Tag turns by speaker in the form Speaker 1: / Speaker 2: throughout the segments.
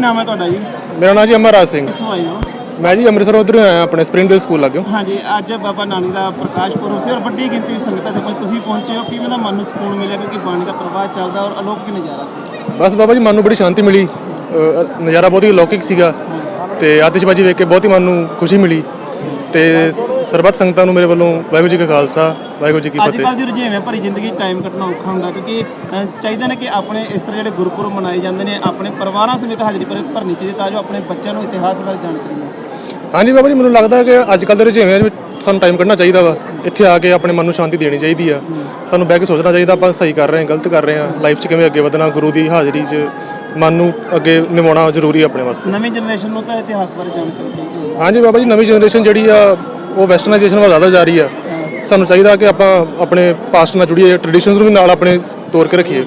Speaker 1: नाम है तुहाडा जी?
Speaker 2: मेरा नाम जी अमरराज सिंह।
Speaker 1: कित्थों आए हो?
Speaker 2: मैं जी ਅੰਮ੍ਰਿਤਸਰ उधर आया अपने स्प्रिंगडੇਲ स्कूल लागे।
Speaker 1: हाँ जी, अज बाबा नानक का प्रकाश पुरब से और बड़ी गिनती संगतां ते तुसीं पहुंचे हो, किवें दा मन नूं सुकून मिलिया क्योंकि बाणी का प्रवाह चलदा और अलौकिक नज़ारा सी?
Speaker 2: बस बाबा जी मन नूं बड़ी शांति मिली, नज़ारा बहुत ही अलौकिक सीगा ते आतिशबाजी वेख के बहुत ही मन नूं खुशी मिली ਤੇ ਸਰਬੱਤ ਸੰਗਤਾਂ ਨੂੰ ਮੇਰੇ ਵੱਲੋਂ ਵਾਹਿਗੁਰੂ ਜੀ ਕਾ ਖਾਲਸਾ ਵਾਹਿਗੁਰੂ ਜੀ ਕੀ
Speaker 1: ਅੱਜ
Speaker 2: ਫਤਿਹ।
Speaker 1: ਕੱਲ੍ਹ ਦੀ ਰੁਝੇਵੇਂ ਭਰੀ ਜ਼ਿੰਦਗੀ ਟਾਈਮ ਕੱਢਣਾ ਔਖਾ ਹੁੰਦਾ ਕਿਉਂਕਿ ਚਾਹੀਦਾ ਨੇ ਕਿ ਆਪਣੇ ਇਸ ਤਰ੍ਹਾਂ ਜਿਹੜੇ ਗੁਰਪੁਰਬ ਮਨਾਏ ਜਾਂਦੇ ਨੇ ਆਪਣੇ ਪਰਿਵਾਰਾਂ ਸਮੇਤ ਹਾਜ਼ਰੀ ਭਰਨੀ ਚਾਹੀਦੀ ਤਾਂ ਜੋ ਆਪਣੇ ਬੱਚਿਆਂ ਨੂੰ ਇਤਿਹਾਸ ਬਾਰੇ ਜਾਣਕਾਰੀ ਮਿਲ ਸਕੇ। ਹਾਂਜੀ
Speaker 2: ਬਾਬਾ ਜੀ, ਮੈਨੂੰ ਲੱਗਦਾ ਕਿ ਅੱਜ ਕੱਲ੍ਹ ਦੇ ਰੁਝੇਵਿਆਂ ਵਿੱਚ ਸਾਨੂੰ ਟਾਈਮ ਕੱਢਣਾ ਚਾਹੀਦਾ ਵਾ, ਇੱਥੇ ਆ ਕੇ ਆਪਣੇ ਮਨ ਨੂੰ ਸ਼ਾਂਤੀ ਦੇਣੀ ਚਾਹੀਦੀ ਆ। ਸਾਨੂੰ ਬਹਿ ਕੇ ਸੋਚਣਾ ਚਾਹੀਦਾ ਆਪਾਂ ਸਹੀ ਕਰ ਰਹੇ ਹਾਂ ਗਲਤ ਕਰ ਰਹੇ ਹਾਂ, ਲਾਈਫ 'ਚ ਕਿਵੇਂ ਅੱਗੇ ਵਧਣਾ, ਗੁਰੂ ਦੀ ਹਾਜ਼ਰੀ 'ਚ ਮਨ ਨੂੰ ਅੱਗੇ ਨਿਭਾਉਣਾ ਜ਼ਰੂਰੀ ਆਪਣੇ ਵਾਸਤੇ।
Speaker 1: ਨਵੀਂ ਜਨਰੇਸ਼ਨ ਨੂੰ ਤਾਂ ਇਤਿਹਾਸ ਬਾਰੇ ਜਾਣਕਾਰੀ ਚਾਹੀਦੀ ਹੈ।
Speaker 2: ਹਾਂਜੀ ਬਾਬਾ ਜੀ, ਨਵੀਂ ਜਨਰੇਸ਼ਨ ਜਿਹੜੀ ਆ ਉਹ ਵੈਸਟਰਨਾਈਜੇਸ਼ਨ ਵੱਲ ਜ਼ਿਆਦਾ ਜਾ ਰਹੀ ਆ। ਸਾਨੂੰ ਚਾਹੀਦਾ ਕਿ ਆਪਾਂ ਆਪਣੇ ਪਾਸਟ ਨਾਲ ਜੁੜੀਏ, ਟ੍ਰੈਡੀਸ਼ਨਸ ਨੂੰ ਵੀ ਨਾਲ ਆਪਣੇ ਤੋਰ ਕੇ ਰੱਖੀਏ।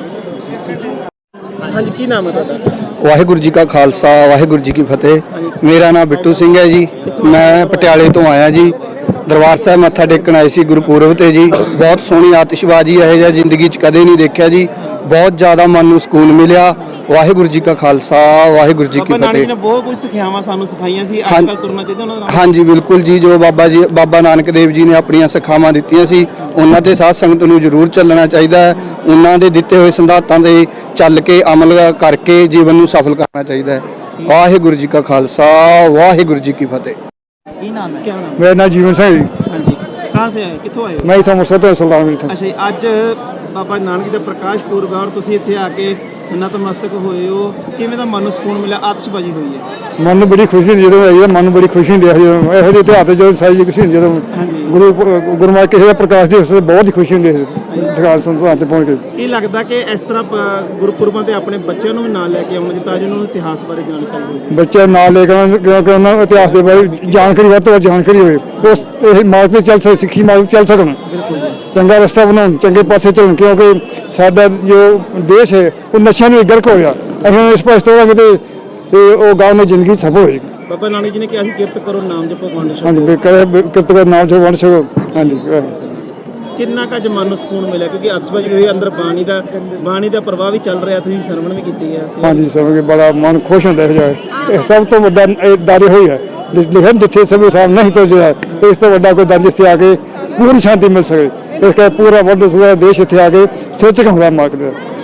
Speaker 1: ਹਾਂਜੀ, ਕੀ ਨਾਮ ਹੈ ਤੁਹਾਡਾ?
Speaker 3: ਵਾਹਿਗੁਰੂ ਜੀ ਕਾ ਖਾਲਸਾ ਵਾਹਿਗੁਰੂ ਜੀ ਕੀ ਫਤਿਹ। ਮੇਰਾ ਨਾਮ ਬਿੱਟੂ ਸਿੰਘ ਹੈ ਜੀ। ਮੈਂ ਪਟਿਆਲੇ ਤੋਂ ਆਇਆ ਜੀ। ਦਰਬਾਰ ਸਾਹਿਬ ਮੱਥਾ ਟੇਕਣ ਆਏ ਸੀ ਗੁਰਪੁਰਬ ਤੇ ਜੀ। ਬਹੁਤ ਸੋਹਣੀ ਆਤਿਸ਼ਬਾਜ਼ੀ ਇਹੋ ਜਿਹਾ ਜ਼ਿੰਦਗੀ 'ਚ ਕਦੇ ਨਹੀਂ ਦੇਖਿਆ ਜੀ। ਬਹੁਤ ਜ਼ਿਆਦਾ ਮਨ ਨੂੰ ਸਕੂਨ ਮਿਲਿਆ। ਵਾਹਿਗੁਰੂ ਜੀ ਕਾ ਖਾਲਸਾ ਵਾਹਿਗੁਰੂ ਜੀ ਕੀ
Speaker 1: ਬਾਬਾ ਨਾਨਕ
Speaker 3: ਫਤਿਹ।
Speaker 1: ਨੇ ਬਹੁਤ ਕੁਝ ਸਿੱਖਿਆਵਾਂ ਸਾਨੂੰ ਸਿਖਾਈਆਂ ਸੀ, ਅੱਜ ਕੱਲ੍ਹ ਤੁਰਨਾ ਚਾਹੀਦਾ ਉਹਨਾਂ ਨਾਲ।
Speaker 3: ਹਾਂਜੀ ਬਿਲਕੁਲ ਜੀ, ਜੋ ਬਾਬਾ ਨਾਨਕ ਦੇਵ ਜੀ ਨੇ ਆਪਣੀਆਂ ਸਿੱਖਿਆਵਾਂ ਦਿੱਤੀਆਂ ਸੀ ਉਹਨਾਂ ਤੇ ਸਾਧ ਸੰਗਤ ਨੂੰ ਜ਼ਰੂਰ ਚੱਲਣਾ ਚਾਹੀਦਾ ਹੈ। ਉਹਨਾਂ ਦੇ ਦਿੱਤੇ ਹੋਏ ਸਿਧਾਂਤਾਂ ਦੇ ਚੱਲ ਕੇ ਅਮਲ ਕਰਕੇ ਜੀਵਨ ਨੂੰ ਸਫਲ ਕਰਨਾ ਚਾਹੀਦਾ ਹੈ। ਵਾਹਿਗੁਰੂ ਜੀ ਕਾ ਖਾਲਸਾ ਵਾਹਿਗੁਰੂ ਜੀ ਕੀ ਫਤਿਹ।
Speaker 1: ਕੀ ਨਾਮ ਹੈ? क्या नाम है?
Speaker 4: मेरा नाम जीवन सिंह जी।
Speaker 1: हाँ जी, कहाँ से आए, कितों आए हो?
Speaker 4: मैं इतना मुर्शद सुल्तान था।
Speaker 1: ਅੱਛਾ ਜੀ, ਅੱਜ ਬਾਬਾ ਨਾਨਕ ਦਾ ਪ੍ਰਕਾਸ਼ ਪੁਰਬ ਆ ਔਰ ਤੁਸੀਂ ਇੱਥੇ ਆ ਕੇ ਨਤਮਸਤਕ ਹੋਏ ਹੋ, ਕਿਵੇਂ ਦਾ ਮਨ ਨੂੰ ਸਕੂਨ ਮਿਲਿਆ? ਆਤਿਸ਼ਬਾਜ਼ੀ ਹੋਈ ਹੈ।
Speaker 4: मन में बड़ी खुशी हुंदी ਜਦੋਂ ਆਈਦਾ, ਮਨ ਨੂੰ ਬੜੀ ਖੁਸ਼ੀ ਹੁੰਦੀ ਹੈ ਇਹੋ ਜਿਹੇ ਇਤਿਹਾਸ ਤੇ ਜਦੋਂ ਸਾਰੀ ਖੁਸ਼ੀ ਹੁੰਦੀ ਜਦੋਂ ਗੁਰਮਤਿ ਕਿਸੇ ਦਾ ਪ੍ਰਕਾਸ਼ ਦਿਵਸ ਤੇ ਬਹੁਤ ਹੀ ਖੁਸ਼ੀ ਹੁੰਦੀ ਹੈ ਦਰਬਾਰ ਸੰਸਾਰ ਤੇ ਪਹੁੰਚ ਕੇ।
Speaker 1: ਕੀ ਲੱਗਦਾ ਕਿ ਇਸ ਤਰ੍ਹਾਂ ਗੁਰਪੁਰਬਾਂ ਤੇ ਆਪਣੇ ਬੱਚਿਆਂ ਨੂੰ ਵੀ ਨਾਲ ਲੈ ਕੇ ਆਉਣਾ ਤਾਂ ਜੋ ਉਹਨਾਂ ਨੂੰ ਇਤਿਹਾਸ ਬਾਰੇ ਜਾਣਕਾਰੀ ਹੋਵੇ?
Speaker 4: ਬੱਚੇ ਨਾਲ ਲੈ ਕੇ ਆਉਣ ਕਿਉਂਕਿ ਉਹਨਾਂ ਨੂੰ ਇਤਿਹਾਸ ਦੇ ਬਾਰੇ ਜਾਣਕਾਰੀ ਵੱਧ ਤੋਂ ਵੱਧ ਜਾਣਕਾਰੀ ਹੋਵੇ, ਉਸ ਇਹ ਮਾਰਗ ਤੇ ਚੱਲ ਸਕੇ, ਸਿੱਖੀ ਮਾਰਗ ਚੱਲ ਸਕਣ, ਚੰਗਾ ਰਸਤਾ ਬਣਾਉਣ, ਚੰਗੇ ਪਾਸੇ ਚੱਲਣ। ਕਿਉਂਕਿ ਸਾਡਾ ਜੋ ਦੇਸ਼ ਹੈ ਉਹ ਨਸ਼ਿਆਂ ਨੂੰ ਗਰਕ ਹੋ ਗਿਆ। ਅਸੀਂ ਇਸ ਪਾਸੇ ਤੋਰਾਂਗੇ ਤੇ ਉਹ ਗਾਉਂ ਦੀ ਜ਼ਿੰਦਗੀ ਸਫਲ ਹੋਏਗੀ।
Speaker 1: ਬਾਬਾ ਨਾਨਕ ਜੀ ਨੇ ਕਿਹਾ ਸੀ ਕਿਰਤ ਕਰੋ, ਨਾਮ ਜਪੋ, ਵੰਡ ਛਕੋ।
Speaker 4: ਹਾਂਜੀ, ਕਿਰਤ ਕਰੋ, ਨਾਮ ਜਪੋ, ਵੰਡ ਛਕੋ। ਹਾਂਜੀ,
Speaker 1: ਕਿੰਨਾ ਕੁ ਅੱਜ ਮਨ ਨੂੰ ਸਕੂਨ ਮਿਲਿਆ ਕਿਉਂਕਿ ਆਤਿਸ਼ਬਾਜ਼ੀ ਹੋਈ, ਅੰਦਰ ਬਾਣੀ ਦਾ ਪ੍ਰਭਾਵ ਵੀ ਚੱਲ ਰਿਹਾ, ਤੁਸੀਂ ਸਰਵਣ ਵੀ ਕੀਤੀ ਹੈ।
Speaker 4: ਹਾਂਜੀ, ਸਮਝ ਕੇ ਬੜਾ ਮਨ ਖੁਸ਼ ਹੁੰਦਾ ਹੈ। ਇਹ ਸਭ ਤੋਂ ਵੱਡਾ ਦਾਰੇ ਹੋਈ ਹੈ ਲਿਖਣ ਜਿੱਥੇ ਸਭੇ ਸਾਹਮ ਨਹੀਂ ਤੋਂ ਜਿਹੜਾ ਇਸ ਤੋਂ ਵੱਡਾ ਕੋਈ ਦਰ ਜਿੱਥੇ ਆ ਕੇ ਪੂਰੀ ਸ਼ਾਂਤੀ ਮਿਲ ਸਕੇ। ਇਸ ਕਰਕੇ ਪੂਰਾ ਵੱਡਾ ਦੇਸ਼ ਇੱਥੇ ਆ ਕੇ ਸਿਰ ਝੁਕਾਉਂਦਾ ਮਾਰਗ ਦੇ।